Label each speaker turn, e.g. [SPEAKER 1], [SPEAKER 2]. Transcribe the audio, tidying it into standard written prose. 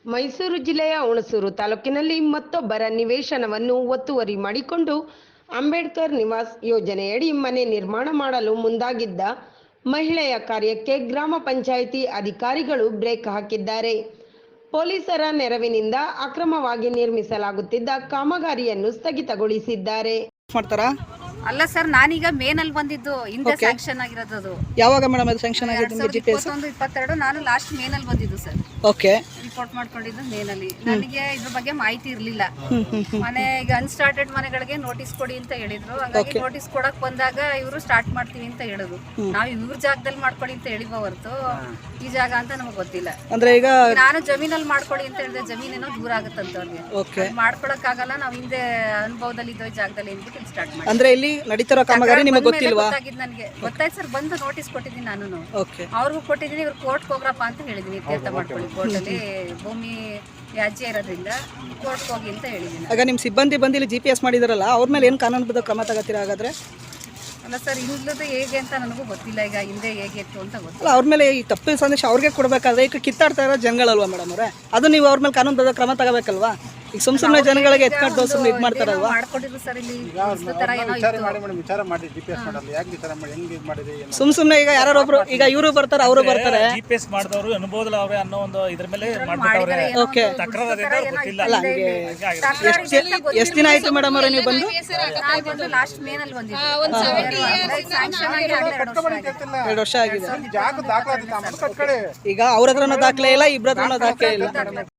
[SPEAKER 1] ಮೈಸೂರು ಜಿಲ್ಲೆಯ ಹುಣಸೂರು ತಾಲೂಕಿನಲ್ಲಿ ಮತ್ತೊಬ್ಬರ ನಿವೇಶನವನ್ನು ಒತ್ತುವರಿ ಮಾಡಿಕೊಂಡು ಅಂಬೇಡ್ಕರ್ ನಿವಾಸ್ ಯೋಜನೆಯಡಿ ಮನೆ ನಿರ್ಮಾಣ ಮಾಡಲು ಮುಂದಾಗಿದ್ದ ಮಹಿಳೆಯ ಕಾರ್ಯಕ್ಕೆ ಗ್ರಾಮ ಪಂಚಾಯಿತಿ ಅಧಿಕಾರಿಗಳು ಬ್ರೇಕ್ ಹಾಕಿದ್ದಾರೆ. ಪೊಲೀಸರ ನೆರವಿನಿಂದ ಅಕ್ರಮವಾಗಿ ನಿರ್ಮಿಸಲಾಗುತ್ತಿದ್ದ ಕಾಮಗಾರಿಯನ್ನು ಸ್ಥಗಿತಗೊಳಿಸಿದ್ದಾರೆ.
[SPEAKER 2] ಅಲ್ಲ ಸರ್, ನಾನೀಗ ಮೇನಲ್ಲಿ ಬಂದಿದ್ದು, ಹಿಂದೆ ಸ್ಯಾಂಕ್ಷನ್ ಆಗಿರೋದು.
[SPEAKER 3] ಯಾವಾಗ ಮೇಡಮ್ ಅದು ಸ್ಯಾಂಕ್ಷನ್ ಆಗಿದೆ ನಿಮಗೆ? ಜಿಪಿಎಸ್
[SPEAKER 2] 21-22 ನಾನು ಲಾಸ್ಟ್ ಮೇನಲ್ಲಿ ಬಂದಿದ್ದು ಸರ್.
[SPEAKER 3] ಓಕೆ,
[SPEAKER 2] ರಿಪೋರ್ಟ್ ಮಾಡ್ಕೊಂಡಿದ್ದು ಮೇನಲ್ಲಿ. ನನಗೆ ಇದ್ರ ಬಗ್ಗೆ ಮಾಹಿತಿ ಇರಲಿಲ್ಲ. ಮನೆ ಈಗ ಅನ್ಸ್ಟಾರ್ಟೆಡ್ ಮನೆಗಳಿಗೆ ನೋಟಿಸ್ ಕೊಡಿ ಅಂತ ಹೇಳಿದ್ರು. ಹಾಗಾಗಿ ನೋಟಿಸ್ ಕೊಡಕ್ ಬಂದಾಗ ಇವರು ಸ್ಟಾರ್ಟ್ ಮಾಡ್ತೀವಿ ಅಂತ ಹೇಳಿದ್ರು. ನಾವು ಇವ್ರ ಜಾಗದಲ್ಲಿ ಮಾಡ್ಕೊಳ್ಳಿ ಅಂತ ಹೇಳಿವ ಹೊರತು ಈ ಜಾಗ ಅಂತ ನಮಗೆ ಗೊತ್ತಿಲ್ಲ.
[SPEAKER 3] ಅಂದ್ರೆ ಈಗ
[SPEAKER 2] ನಾನು ಜಮೀನಲ್ಲಿ ಮಾಡ್ಕೊಳ್ಳಿ ಅಂತ ಹೇಳಿದ್ರೆ ಜಮೀನೇನೋ ದೂರ ಆಗುತ್ತಂತ ಅವ್ರಿಗೆ ಮಾಡ್ಕೊಳಕ್ ಆಗಲ್ಲ. ನಾವು ಹಿಂದೆ ಅನುಭವದಲ್ಲಿ ಇದ್ದೋ ಜಾಗದಲ್ಲಿ ಏನ್ಬಿಟ್ಟು ಸ್ಟಾರ್ಟ್ ಮಾಡಿ.
[SPEAKER 3] ಅಂದ್ರೆ ಇಲ್ಲಿ ನಡೀತಿರೋ ಕಾಮಗಾರಿ ನಿಮಗೆ ಗೊತ್ತಿಲ್ವಾ?
[SPEAKER 2] ನನಗೆ ಗೊತ್ತಾಯ್ತು ಸರ್, ಬಂದು ನೋಟಿಸ್ ಕೊಟ್ಟಿದ್ದೀನಿ ನಾನು. ಅವ್ರಿಗೂ ಕೊಟ್ಟಿದ್ದೀನಿ, ಇವ್ರು ಕೋರ್ಟ್ಗೆ ಹೋಗ್ರಪ್ಪ ಅಂತ ಹೇಳಿದೀನಿ. ಇತ್ಯರ್ಥ ಮಾಡ್ಕೊಳ್ಳಿ, ಕೋರ್ಟಲ್ಲಿ ಭೂಮಿ ವ್ಯಾಜ್ಯ ಇರೋದ್ರಿಂದ ಕೋರ್ಟ್ಗೆ ಹೋಗಿ ಅಂತ ಹೇಳಿದ್ದೀನಿ.
[SPEAKER 3] ಆಗ ನಿಮ್ಮ ಸಿಬ್ಬಂದಿ ಬಂದು ಇಲ್ಲಿ GPS ಮಾಡಿದಾರಲ್ಲ, ಅವ್ರ ಮೇಲೆ ಏನು ಕಾನೂನುಬದ್ಧ ಕ್ರಮ ತಗೋತೀರಾ ಹಾಗಾದ್ರೆ?
[SPEAKER 2] ಅಲ್ಲ ಸರ್, ಇಲ್ಲದ ಹೇಗೆ ಅಂತ ನನಗೂ ಗೊತ್ತಿಲ್ಲ. ಈಗ ಹಿಂದೆ ಹೇಗೆ ಇತ್ತು ಅಂತ ಗೊತ್ತಿಲ್ಲ.
[SPEAKER 3] ಅವ್ರ ಮೇಲೆ ಈ ತಪ್ಪು ಸಂದೇಶ ಅವ್ರಿಗೆ ಕೊಡಬೇಕಾದ್ರೆ ಈಗ ಕಿತ್ತಾಡ್ತಾ ಇರೋ ಜನಗಳಲ್ವಾ ಮೇಡಮ್ ಅವರೇ? ಅದು ನೀವು ಅವ್ರ ಮೇಲೆ ಕಾನೂನುಬದ್ಧ ಕ್ರಮ ತಗೋಬೇಕಲ್ವಾ? ಈಗ ಸುಮ್ಮನೆ ಜನಗಳಿಗೆ ಎತ್ಕೊಂಡು ಸುಮ್ಮನೆ ಇದು ಮಾಡ್ತಾರಲ್ವಾ?
[SPEAKER 2] ಮಾಡ್ಕೊಂಡಿದ್ರು ಸರ್. ಇಲ್ಲಿ
[SPEAKER 3] ಸುಮ್ಮನೆ ಈಗ ಯಾರೊಬ್ರು ಈಗ ಇವರು ಬರ್ತಾರೆ, ಅವರು ಬರ್ತಾರೆ.
[SPEAKER 4] GPS ಮಾಡಿದವರು ಅನುಭವದಲ್ಲವೇ ಅನ್ನೋ ಒಂದು ಇದ್ರ ಮೇಲೆ ಮಾಡ್ಬಿಟ್ಟವ್ರೆ.
[SPEAKER 3] ಓಕೆ,
[SPEAKER 4] ಗೊತ್ತಿಲ್ಲ.
[SPEAKER 3] ಅಲ್ಲ, ಹಂಗೆ ಎಷ್ಟು ದಿನ ಆಯ್ತು ಮೇಡಮ್ ಅವರೇ ನೀವು ಬಂದು?
[SPEAKER 2] ಲಾಸ್ಟ್ ಮೇನಲ್ಲಿ ಬಂದಿದ್ದು.
[SPEAKER 3] 2 ವರ್ಷ ಆಗಿದೆ. ಈಗ ಅವ್ರ ಹತ್ರನೂ ದಾಖಲೆ ಇಲ್ಲ, ಇಬ್ಬರ ಹತ್ರನೂ ದಾಖಲೆ ಇಲ್ಲ.